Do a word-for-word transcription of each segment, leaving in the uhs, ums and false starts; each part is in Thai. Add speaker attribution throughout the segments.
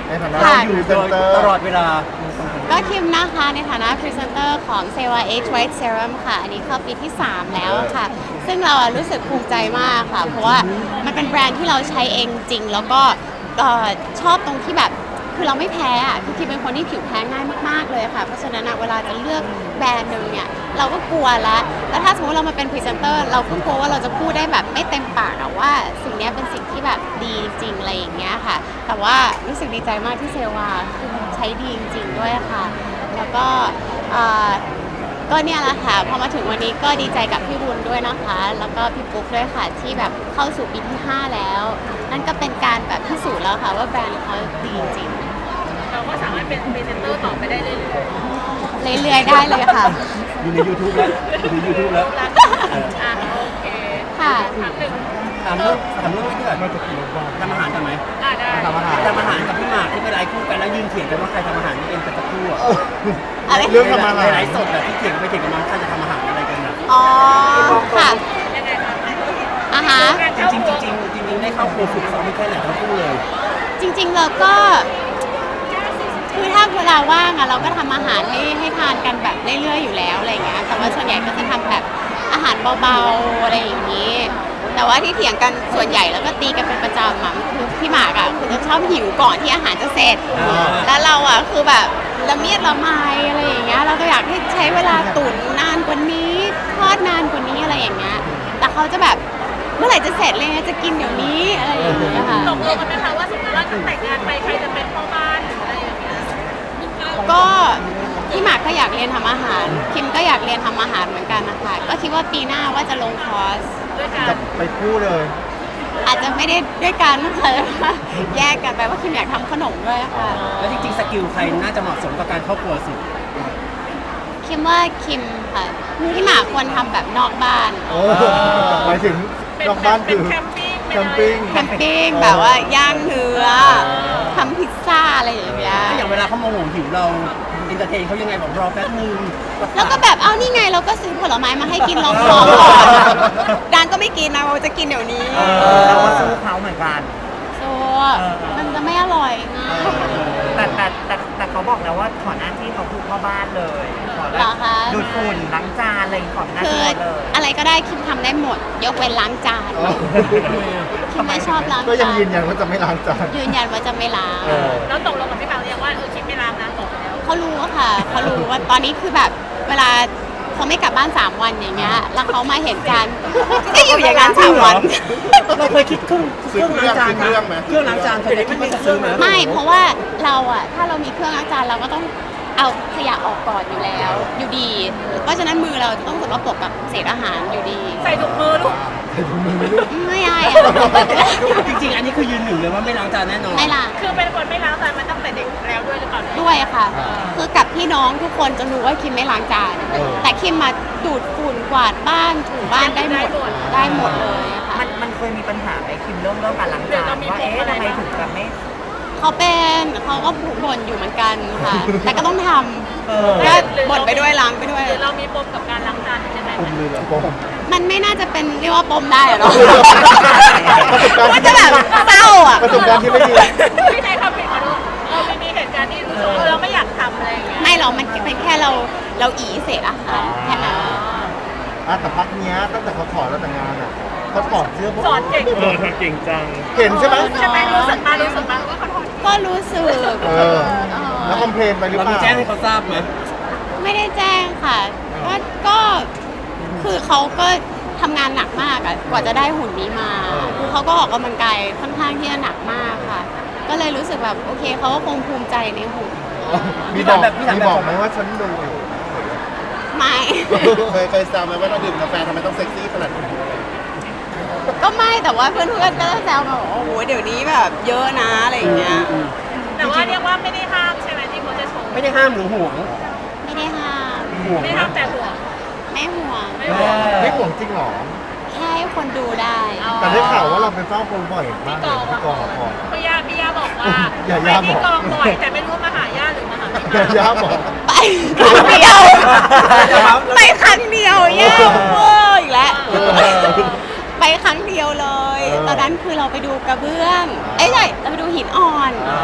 Speaker 1: ในฐานะ
Speaker 2: ค่ะ
Speaker 1: พรีเซนเตอร์
Speaker 3: ตลอดเวลา
Speaker 2: ก็คิมนะคะในฐานะพรีเซนเตอร์ของ Seva Age White Serum ค่ะ อันนี้เข้าปีที่ สาม แล้วค่ะ ซึ่งเราอะรู้สึกภูมิใจมากค่ะ เพราะว่ามันเป็นแบรนด์ที่เราใช้เองจริง แล้วก็เอ่อชอบตรงที่แบบคือเราไม่แพ้อะคือคิมเป็นคนที่ผิวแพ้ง่ายมากๆเลยค่ะ เพราะฉะนั้นอะเวลาจะเลือกแบรนด์หนึ่งเนี่ยเราก็กลัวแล้วแล้วถ้าสมมติเรามาเป็นพรีเซนเตอร์เราก็กลัวว่าเราจะพูดได้แบบไม่เต็มปากอะว่าสิ่งเนี้ยเป็นสิ่งที่แบบดีจริงอะไรอย่างเงี้ยค่ะ แต่ว่ารู้สึกดีใจมากที่เซวาคือมันใช้ดีจริงๆด้วยค่ะ แล้วก็เอ่อก็เนี่ยแหละค่ะพอมาถึงวันนี้ก็ดีใจกับพี่บุญด้วยนะคะ แล้วก็พี่ปุ๊กด้วยค่ะที่แบบเข้าสู่ปีที่ห้าแล้ว นั่นก็เป็นการแบบพิสูจน์แล้วค่ะว่าแบรนด์เขาดีจริง
Speaker 4: เราก็สามารถเป็นพรีเซนเตอร์ต่อไปได้เลย
Speaker 2: เรื่อยๆได้เลยค่ะ
Speaker 3: อยู่ใน YouTube แล้วอยู่ใน YouTube แล้ว
Speaker 4: รักอ่ะโอเค
Speaker 2: ค่ะ
Speaker 4: ครั้งหนึ่ง
Speaker 3: ถามเรื่องถามเรื่องที่ก่อนทำอาหารกันไหม
Speaker 4: อ่ะได้
Speaker 1: ทำอาหาร
Speaker 3: ทำอาหารกับพี่หมากที่ไปไลฟ์คู่กันแล้วยืนเถียงกันว่าใครทำอาหารเองกันสักครู่อะ
Speaker 2: อะไร
Speaker 1: เรื่องทำอาหาร
Speaker 3: ไลฟ์สดแบบที่เถียงกันไปเถียงกันมาใครจะทำอาหารอะไรกันอะ
Speaker 2: อ๋อค่ะ
Speaker 4: ยังไงคะ
Speaker 2: อาหาร
Speaker 3: จริงๆจริงๆจริงๆได้เข้าครัวฝึกซ้อมแค่ไหนทั้งคู่เลย
Speaker 2: จริงๆเราก็คือถ้าเวลาว่างอะเราก็ทำอาหารให้ให้ทานกันแบบเรื่อยๆอยู่แล้วอะไรอย่างเงี้ยแต่ว่าส่วนใหญ่ก็จะทำแบบอาหารเบาๆอะไรอย่างนี้ แต่ว่าที่เถียงกันส่วนใหญ่แล้วก็ตีกันเป็นประจำอะคือพี่หมากอะคือจะชอบหิวก่อนที่อาหารจะเสร็จ
Speaker 3: อ่า
Speaker 2: แล้วเราอะคือแบบละเมียดละไมอะไรอย่างเงี้ยเราก็อยากให้ใช้เวลาตุ๋นนานกว่านี้ทอดนานกว่านี้อะไรอย่างเงี้ยแต่เขาจะแบบเมื่อไหร่จะเสร็จเลยจะกินเดี๋ยวนี้อะไรอย่างเงี้ยค่ะ
Speaker 4: ตกลงกันไหมคะว่าสมมติว่าถ้าแต่งงานไปใครจะเป็นพ่อบ้านหรืออะไรอย่างเงี้ย
Speaker 2: ก็พี่หมากก็อยากเรียนทำอาหาร คิมก็อยากเรียนทำอาหารเหมือนกันนะคะก็คิดว่าปีหน้าว่าจะลงคอร์ส
Speaker 4: ด้วยกัน
Speaker 1: จะไปคู่เลย
Speaker 2: อาจจะไม่ได้ด้วยกันนะคะแยกกันไปว่าคิมอยากทำขนมด้วยค่ะ
Speaker 3: แล้วจริงๆสกิลใครน่าจะเหมาะสมกับการเข้าครัวสุด
Speaker 2: คิมว่าคิมค่ะพี่หมากควรทำแบบนอกบ้าน
Speaker 1: โอ้หมายถึง
Speaker 4: เป็น
Speaker 1: นอกบ้าน
Speaker 4: เป็
Speaker 1: คื
Speaker 4: น
Speaker 1: อ
Speaker 4: แคมปิ้ง
Speaker 1: แค
Speaker 4: เป็น
Speaker 1: ม
Speaker 4: อะไร
Speaker 1: ปิ้ง
Speaker 2: แคมปิ้งแบบว่าย่างเนื้อทำพิซซ่าอะไรอย่างเงี้ย
Speaker 3: ถ้าอย่างเวลาเขาโมโหหิวเราอินเตอร์เทนเขายังไงบอกรอแป๊บนึง
Speaker 2: แล้วก็แบบเอานี่ไงเราก็ซื้อผลไม้มาให้กินลองท้องก่อนดานก็ไม่กินนะเราจะกินเดี๋ยวนี้
Speaker 5: เราก็สู้เขาเหมือนกัน
Speaker 2: โซ่มันจะไม่อร่อยนะ
Speaker 5: แต่แต่แต่แต่เขาบอกแล้วว่าขอหน้าที่เขาคือพ่อบ้านเลยขอ
Speaker 2: เหรอคะ
Speaker 5: ดูดฝุ่นล้างจานอะไรขอหน้า
Speaker 2: คื
Speaker 5: ที่
Speaker 2: อ
Speaker 5: เขาเลย
Speaker 2: อะไรก็ได้คิมทำได้หมด ยกเว้นล้างจาน
Speaker 1: อ๋อ
Speaker 2: คิมไม่ชอบล้าง
Speaker 1: ก็ยัง
Speaker 2: จาน
Speaker 1: ยืนยันว่าจะไม่ล้างจาน
Speaker 2: ยืนยันว่าจะไม่ล้าง
Speaker 1: เออ
Speaker 4: แล้วตกลงกับพี่บางหรือยังว่าเออคิดไม่ล้างนะบอกแล้ว
Speaker 2: เขารู้อะค่ะเขารู้ว่าตอนนี้คือแบบเวลาเขาไม่กลับบ้านสามวันอย่างเงี้ยแล้วเขามาเห็นจานก็อยู่อย่างนั้นสามวัน
Speaker 3: เราเคยคิดเครื่องเครื่องล้างจาน
Speaker 1: ซื้อเครื่องไหม
Speaker 3: เครื่องล้างจานเคยคิดว่าจะซื้อไหม
Speaker 2: ไม่เพราะว่าเราอะถ้าเรามีเครื่องล้างจานเราก็ต้องเอาขยะออกก่อนอยู่แล้ว อยู่ดี เพราะฉะนั้นมือเราจะต้องสกปรกกับเศษอาหารอยู่ดี
Speaker 4: ใส่ถุงมือลูก
Speaker 2: ไม่ได้อะ
Speaker 3: จริงๆ อันนี้คือยืนหนึ่งเลยว่าไม่ล้างจานแน่นอน
Speaker 2: ไม่ล้าง
Speaker 4: คือเป็นคนไม่ล้างจานมาตั้งแต่เด็กแล้วด้วยหรือเปล่า
Speaker 2: ด้วยค่ะ คือกับพี่น้องทุกคนจะรู้ว่าคิมไม่ล้างจาน
Speaker 1: เออ
Speaker 2: แต่คิมมาดูดฝุ่นกวาดบ้านถูบ้านได้หมดได้หมดเลยอะค่ะ
Speaker 5: มันมันเคยมีปัญหาไหมคิมเรื่องเรื่องการล้างจานว่าเอ๊ะทำไมถึงแบบไม่
Speaker 2: เขาเป็นเขาก็ผูกบ่นอยู่เหมือนกันค่ะ แต่ก็ต้องท
Speaker 5: เออ
Speaker 2: ำก็บ่นไปด้วยล้างไปด้วย
Speaker 4: หรือเรามีปมกับการล้างจานใช่ไหม
Speaker 1: ปุ่มเลยเหรอปม
Speaker 2: มันไม่น่าจะเป็นเรียกว่าปมได้อะเนาะ
Speaker 1: ประสบการณ์
Speaker 2: มันจะแบบเศร้าอ่ะ
Speaker 1: ประสบการณ์ที่ไม่ดี
Speaker 4: ไม่ใช่ครับผิดขอโทษเออไม่มีเหตุการณ์ที่รู้สึกว่าเราไม่อยากทำอะไรอย่างเงี้ย
Speaker 2: ไม่หรอกมันเป็นแค่เราเราอีเศษอาหารแค่นั้น
Speaker 1: อ่ะแต่พักเนี้ยตั้งแต่เขาถอดแล้วแต่งงานอ่ะเขาถอดเสื้อพวก
Speaker 4: สอนเก่ง
Speaker 5: เออเก่งจัง
Speaker 1: เห็นใช่ไหม
Speaker 4: ใช่ไหมรู้สึกมารู้สึกมาว่าเขาถอด
Speaker 2: ก็รู้สึก
Speaker 1: เออ แล้วคอมเพลนไปหรือ
Speaker 3: เรา
Speaker 1: เป
Speaker 3: มี
Speaker 1: ล่า
Speaker 3: แจ้งให้เขาทราบไหม
Speaker 2: ไม่ได้แจ้งค่ะก็ก็คือเขาก็ทำงานหนักมากอะกว่าจะได้หุ่นนี้มาคือเขาก็ออกกำลังกายค่อนข้างที่จะหนักมากค่ะ ก็เลยรู้สึกแบบโอเคเขาก็คงภูมิใจในหุ่น
Speaker 1: มีบอกมีบอกไหมว่าฉันดูอยู่
Speaker 2: ไม่
Speaker 1: เคยเคยแซวไหมว่าเราดื่มกาแฟทำไมต้องเซ็กซี่ขนาดนี้
Speaker 2: ก็ไม่แต่ว่าเพื่อนๆก็จะแซวแบบโอ้โหเดี๋ยวนี้แบบเยอะนะอะไรอย่างเงี้ย
Speaker 4: แต่ว่าเรียกว่าไม่ได้ห้ามใช่ไหมที่เขาจะชม
Speaker 3: ไม่ได้ห้ามหรือห่วง
Speaker 2: ไม่ได้ห้าม
Speaker 3: ห่วง
Speaker 4: ไม่
Speaker 3: นะ
Speaker 4: ห้ามแต่ห่วง
Speaker 2: ไม่ห่วง
Speaker 4: ไม่ห่วง
Speaker 1: ไม่ห่วงจริงหรอ
Speaker 2: แค่ให้คนดูได้
Speaker 1: แต่ได้ข่าวว่าเราไปเฝ้าคนบ่อยมาก
Speaker 4: ที่
Speaker 1: เล
Speaker 4: กอย ง
Speaker 1: ที่กองละคร
Speaker 4: พี่ย่าพี่ย่าบอกว่า
Speaker 1: อย่า
Speaker 4: ไป
Speaker 1: ย่า
Speaker 4: ที่
Speaker 1: บอก
Speaker 4: กองบ่อยแต่ไม่รู้มาหาย่าหรือมาหาพี่
Speaker 1: อย่า
Speaker 4: ย่า
Speaker 1: ย่าบอก
Speaker 2: ไปครั้งเดียวไปครั้งเดียวแย่เวอร์อีกแล้ว
Speaker 1: เออ
Speaker 2: ไปครั้งเดียวเลย
Speaker 1: เออ
Speaker 2: ตอนนั้นคือเราไปดูกระเบื้อง เอ้ยใช่เราไปดูหินอ่อน
Speaker 1: อ่า
Speaker 2: ที่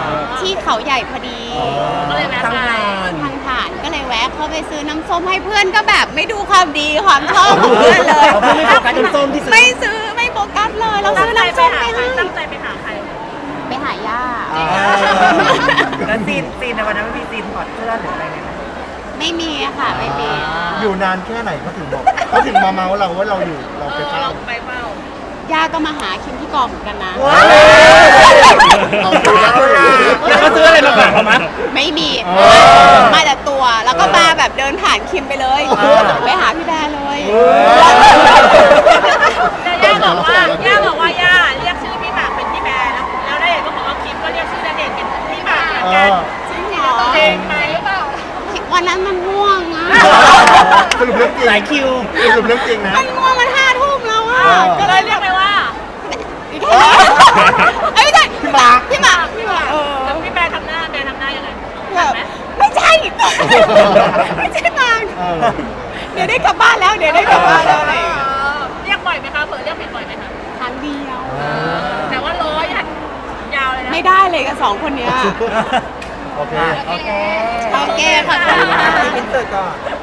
Speaker 2: ที่เขาใหญ่พอดี
Speaker 4: ก็เลยแวะ
Speaker 3: ตั้ง
Speaker 4: ไป
Speaker 3: งาน
Speaker 2: ทางผ่านก็เลยแวะเข้าไปซื้อน้ำส้มให้เพื่อนก็แบบไม่ดูความดีความชอบของเพื่อนเลย
Speaker 3: เอาเพื่อนไม่โฟกัสน้ำส้มที่ซื้อ
Speaker 2: ไม่ซื้อไม่โฟกัสเลยเราซื้อน้ำส้มไปให้
Speaker 4: ตั้งใจไปหาใคร
Speaker 2: ไปหาย่า
Speaker 3: อ่า
Speaker 5: แล้วซีนซีนในวันนั้นไม่มีซีนถอดเสื้อหรืออะไรเนี่ย
Speaker 2: ไม่มีอะค่ะไม่มี
Speaker 1: อยู่นานแค่ไหนเขาถึงบอกเขาถึงมาเมาเราว่าเราอยู่เรา
Speaker 4: เอ
Speaker 1: ไป
Speaker 4: อ
Speaker 1: เฝ้า
Speaker 4: เราไปเฝ้า
Speaker 2: ย่าก็มาหาคิมที่กองเหมือนกันนะ
Speaker 1: เอาดูแล้ว
Speaker 3: แล้วเขาซื้ออะไรมาฝากเขามั้ย
Speaker 2: ไม่มี
Speaker 1: อ๋อ
Speaker 2: มาแต่ตัวแล้วก็มาแบบเดินผ่านคิมไปเลย
Speaker 1: เออ
Speaker 2: ไปหาพี่แบร์เลย
Speaker 4: แต่ย่าบอกว่าย่าบอกว่าย่าเรียกชื่อพี่หมากเป็นพี่แบร์แล้วแล้วได้เห็นก็บอกว่าคิมก็เรียกชื่อณเดชน์เป็นพี่หมากเหมือน
Speaker 1: เอ
Speaker 4: กัน
Speaker 1: อ
Speaker 2: จริงเหรอ
Speaker 4: เพลงไหมหรือเปล่า
Speaker 2: วันนั้นมันง่วงอะ
Speaker 1: สรุปเรื่องจริง
Speaker 3: หลายคิว
Speaker 1: สรุปเรื่องจริงนะ
Speaker 2: มันง่วงมันห้าทุ่มแล้วอะ
Speaker 1: เออ
Speaker 2: ก็
Speaker 4: ก็
Speaker 2: เล
Speaker 4: เลย ยเรียกไปว่า
Speaker 2: เอ้ยไม่ใช่พี่หมากพี่หมากพี่หมากเออ
Speaker 4: แล้วพี่แบร์ทำหน้าแบร์ทำหน้ายังไง
Speaker 2: แบบ
Speaker 4: ไหม
Speaker 2: ไม่ใช่ ไม่ใช่หมาก
Speaker 1: เออ
Speaker 2: เดี๋ยวได้กลับบ้านแล้วเดี๋ยวได้กลับบ้านแล้วอะไรอย่าง
Speaker 4: เอ
Speaker 2: เงี้ย
Speaker 4: อเรียกบ่อยไหมคะเผื่อเรียกผิดบ่อยไหมคะ
Speaker 2: ครั้งเดียว
Speaker 4: แต่ว่าร้อยอะยาวเลยนะ
Speaker 2: ไม่ได้เลยกับสองคนเนี้ย
Speaker 1: โอเค
Speaker 3: โอเค
Speaker 2: โอเคขอบคุณค่ะ
Speaker 3: อินเสิร์ตก่อน